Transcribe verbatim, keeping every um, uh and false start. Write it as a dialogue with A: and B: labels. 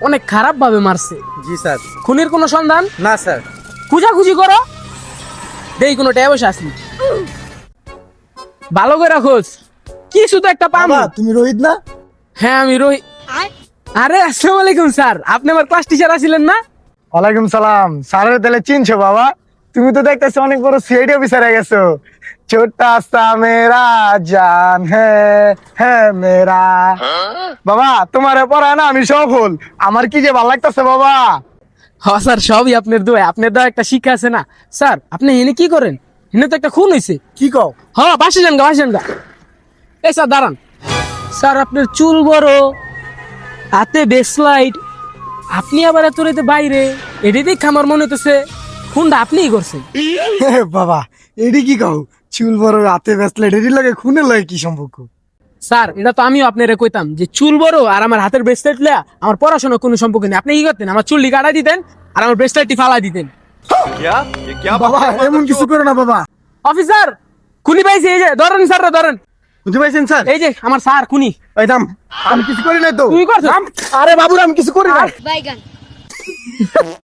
A: অনেক খারাপ ভাবে মারছে।
B: জি স্যার।
A: খুনির কোনো সন্ধান?
B: না স্যার।
A: খুঁজাখুঁজি করো, দেই কোনো ট্যাবস আসি। ভালো করে খোঁজ, কিছু তো একটা পাবো।
C: বাবা তুমি রোহিত না?
A: হ্যাঁ আমি রোহিত। আরে আসসালামু আলাইকুম স্যার, আপনি আমার ক্লাস টিচার আছিলেন না?
C: ওয়ালাইকুম সালাম। স্যারের তাহলে চিনছো বাবা? তুমি তো দেখতেছো অনেক বড় সিআইডি অফিসার হয়ে গেছো। ছোটা সা মেরা জান হ্যাঁ হ্যাঁ মেরা। বাবা তোমার পড়ায় না আমি সফল। আমার কি যে ভালো লাগতেছে বাবা।
A: হ্যাঁ স্যার, সবই আপনার দোয়া। আপনার দোয়া একটা শিক্ষা আছে না স্যার। আপনি এনে কি করেন? এনে তো একটা খুন হয়েছে।
C: কি কও?
A: হ্যাঁ বাসে যান গা, বাসে যান গা। এই স্যার দাঁড়ান। স্যার আপনার চুল বড়, হাতে বেসলাইট, আপনি আবার এত রাতে বাইরে, এটি দেখে আমার মনে হইতেছে খুনটা আপনিই করছেন।
C: বাবা এডি কি কও? চুল বড় রাতে বেসলে এডি লাগে খুনের লাগে কি সম্পর্ক?
A: স্যার এটা তো আমিও আপনারে কইতাম যে চুল বড় আর আমার হাতের ব্রেসলেট লিয়া আমার পড়াশোনার কোনো সম্পর্ক নেই। আপনি কি করতেন? আমার চুলটি কাটাই দিতেন আর আমার ব্রেসলেটটি ফালাই দিতেন।
C: বাবা এমন কিছু করো না বাবা।
A: অফিসার খুনি পাইছে, এই যে ধরেন স্যার, ধরেন।
C: বুঝতে পারছেন স্যার?
A: এই যে আমার স্যার খুনি।
C: এই দাম, আমি কিছু করি নাই তো।
A: তুই করছিস?
C: আরে বাবুর আমি কিছু করি নাই।
D: Bye, gun.